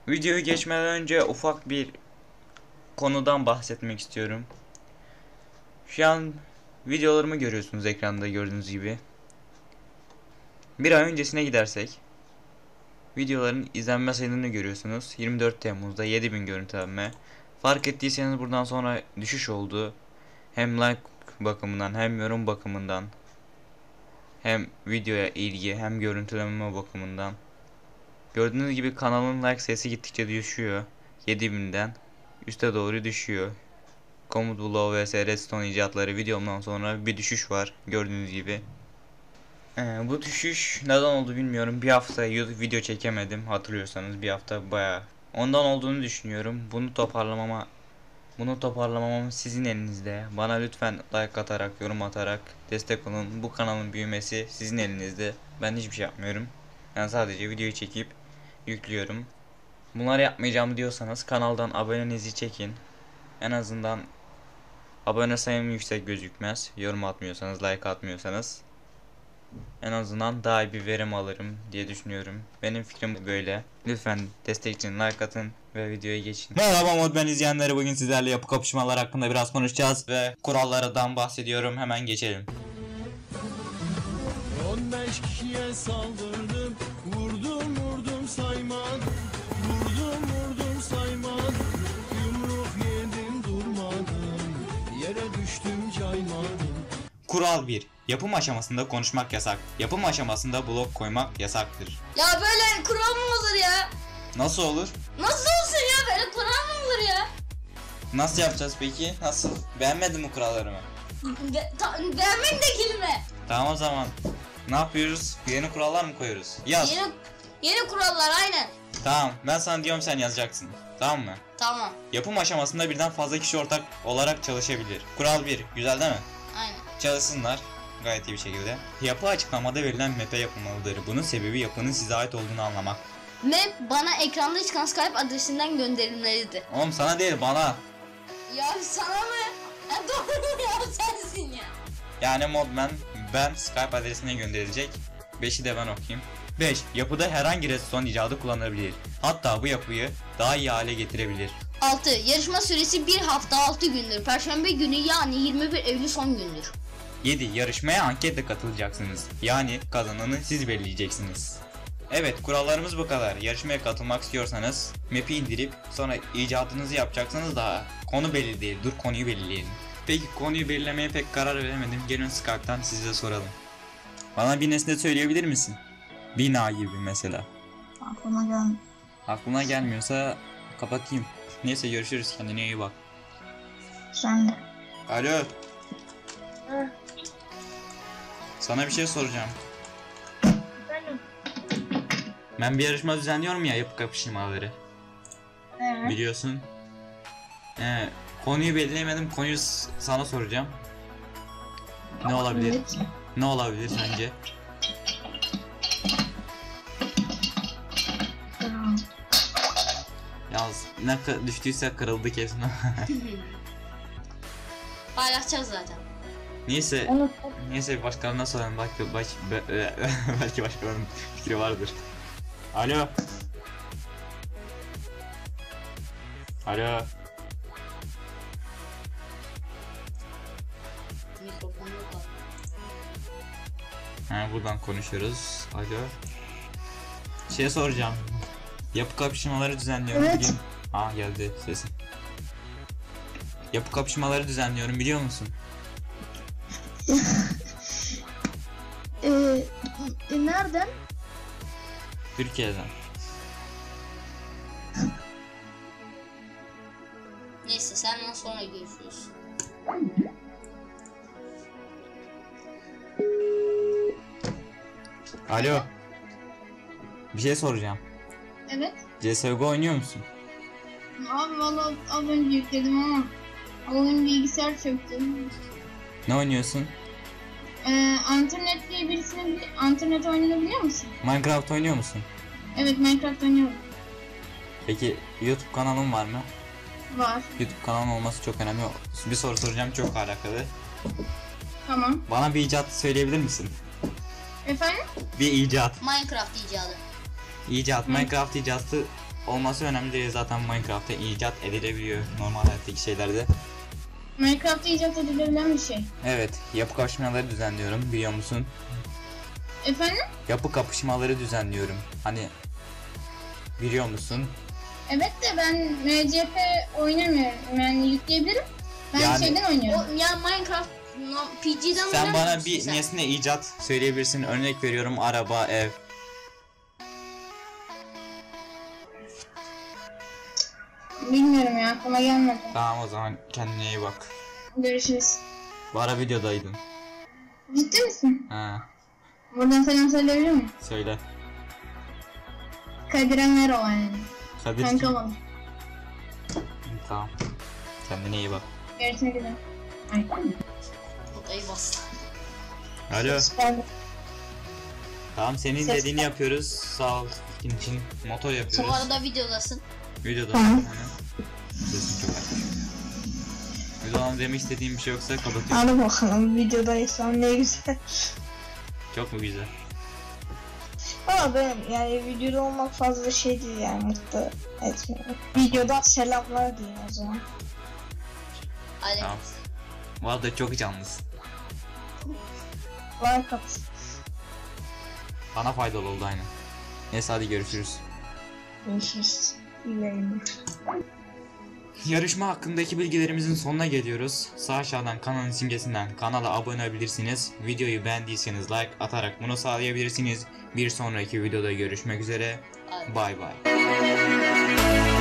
Videoyu geçmeden önce ufak bir konudan bahsetmek istiyorum. Şu an videolarımı görüyorsunuz ekranda gördüğünüz gibi. Bir ay öncesine gidersek videoların izlenme sayılarını görüyorsunuz. 24 Temmuz'da 7000 görüntülenme. Fark ettiyseniz buradan sonra düşüş oldu. Hem like bakımından hem yorum bakımından hem videoya ilgi hem görüntüleme bakımından. Gördüğünüz gibi kanalın like sayısı gittikçe düşüyor. 7000'den üste doğru düşüyor. Komut Blow vs Redstone icatları videomdan sonra bir düşüş var gördüğünüz gibi. Bu düşüş neden oldu bilmiyorum. Bir hafta YouTube video çekemedim, hatırlıyorsanız bir hafta bayağı. Ondan olduğunu düşünüyorum. Bunu toparlamam sizin elinizde. Bana lütfen like atarak, yorum atarak destek olun. Bu kanalın büyümesi sizin elinizde. Ben hiçbir şey yapmıyorum. Ben sadece videoyu çekip yüklüyorum. Bunları yapmayacağım diyorsanız kanaldan abonenizi çekin. En azından abone sayım yüksek gözükmez. Yorum atmıyorsanız, like atmıyorsanız. En azından daha iyi bir verim alırım diye düşünüyorum. Benim fikrim böyle. Lütfen destek için like atın ve videoya geçin. Merhaba Modben izleyenleri, bugün sizlerle yapı kapışmalar hakkında biraz konuşacağız ve kurallardan bahsediyorum. Hemen geçelim. 15 kişiye saldırdım, vurdum saymadım, vurdum saymadım, yumruk yedim durmadım, yere düştüm caymadım. Kural 1. Yapım aşamasında konuşmak yasak. Yapım aşamasında blok koymak yasaktır. Ya böyle kural mı olur ya? Nasıl olur? Nasıl olsun ya, böyle kural mı olur ya? Nasıl yapacağız peki? Nasıl? Beğenmedin mi kurallarımı? Beğenmek de kelime. Tamam o zaman. Ne yapıyoruz? Yeni kurallar mı koyuyoruz? Yaz. Yeni kurallar, aynen. Tamam, ben sana diyorum, sen yazacaksın. Tamam mı? Tamam, Yapım aşamasında birden fazla kişi ortak olarak çalışabilir. Kural 1. Güzel değil mi? aynen. Çalışsınlar. Gayet iyi bir şekilde. Yapı açıklamada verilen map'e yapılmalıdır. Bunun sebebi yapının size ait olduğunu anlamak. Map bana ekranda çıkan Skype adresinden gönderilmelidir. Oğlum sana değil, bana. Ya sana mı? Ya doğru ya, sensin ya. Yani Modman ben Skype adresine gönderilecek. 5'i de ben okuyayım. 5. Yapıda herhangi redstone icadı kullanılabilir. Hatta bu yapıyı daha iyi hale getirebilir. 6. Yarışma süresi 1 hafta 6 gündür. Perşembe günü yani 21 Eylül son gündür. 7. Yarışmaya anketle katılacaksınız. Yani kazananı siz belirleyeceksiniz. Evet, kurallarımız bu kadar. Yarışmaya katılmak istiyorsanız map'i indirip sonra icadınızı yapacaksınız da konu belli değil. Dur, konuyu belirleyelim. Peki konuyu belirlemeye pek karar veremedim. Gelin Skype'tan size soralım. Bana bir nesne söyleyebilir misin? Bina gibi mesela. Aklına gelmiyorsa kapatayım. Neyse, görüşürüz, kendine iyi bak. Sen de. Alo. Sana bir şey soracağım. Benim. Ben bir yarışma düzenliyorum ya, yapı kapışmaları. Evet. Biliyorsun. Konuyu belirleyemedim. Konuyu sana soracağım. Ne olabilir? Evet. Ne olabilir sence? Tamam. Yalnız ne düştüyse kırıldı kesin. Paylaşacağız zaten. Neyse. Onu Neyse, başkalarına soralım. Belki başkalarının fikri vardır. Alo. Alo. Mikrofonu yok abi. Buradan konuşuyoruz. Alo. Şey soracağım. Yapı kapışmaları düzenliyorum Evet. bugün. Geldi sesin. Yapı kapışmaları düzenliyorum, biliyor musun? Nereden? Türkiye'den. Neyse, senden sonra görüşürüz. Alo. Bir şey soracağım. Evet. CSGO oynuyor musun? Abi valla az önce yükledim ama oyun bilgisayar çöktü. Ne oynuyorsun? Internet diye internet oyununu biliyor musun? Minecraft oynuyor musun? Evet, Minecraft oynuyorum. Peki YouTube kanalın var mı? Var. YouTube kanalın olması çok önemli. Bir soru soracağım, çok alakalı. Tamam. Bana bir icat söyleyebilir misin? Efendim? Bir icat. Minecraft icadı. İcat. Minecraft icatı olması önemli değil, zaten Minecraft'ta icat edilebiliyor normal hayattaki şeylerde. Minecraft'ta icat edilebilen bir şey. Evet, yapı kapışmaları düzenliyorum, biliyor musun? Efendim? Yapı kapışmaları düzenliyorum. Hani biliyor musun? Evet de ben MCP oynamıyorum. Yani yükleyebilirim. Ben Yani- şeyden oynuyorum. O, ya Minecraft PG'den Sen oynamıyor bana musun bir sen? nesne icat söyleyebilirsin. Örnek veriyorum, araba, ev. Bilmiyorum ya, aklıma gelmedi. Tamam, o zaman kendine iyi bak. Görüşürüz. Bu ara videodaydın. Ciddi misin? Ha, Buradan selam söyleyebilir miyim? söyle. Kadir Merhaba yani. Kadir Kanka kim? bana. Tamam. Kendine iyi bak. Görüşmek üzere. Ay. Odayı bastı. Alo. Pardon. Tamam, senin Ses- dediğini yapıyoruz. Sağ ol. Senin için motor Şu yapıyoruz. arada videodasın. Videoda. Tamam. Sesin çok açmış. Videodan demek istediğim bir şey yoksa kapatıyorum. Hadi bakalım videodaysan ne güzel. Çok mu güzel? Ama benim yani videoda olmak fazla şey değil yani, mutlu etmiyor. Videodan selamlar diyeyim o zaman. Hadi. Tamam. Bu arada çok canlısın. Like at. Bana faydalı oldu aynen. Neyse, hadi görüşürüz. Görüşürüz. İyi yayınlar. Yarışma hakkındaki bilgilerimizin sonuna geliyoruz. Sağ aşağıdan kanalın simgesinden kanala abone olabilirsiniz. Videoyu beğendiyseniz like atarak bunu sağlayabilirsiniz. Bir sonraki videoda görüşmek üzere. Hadi. Bay bay.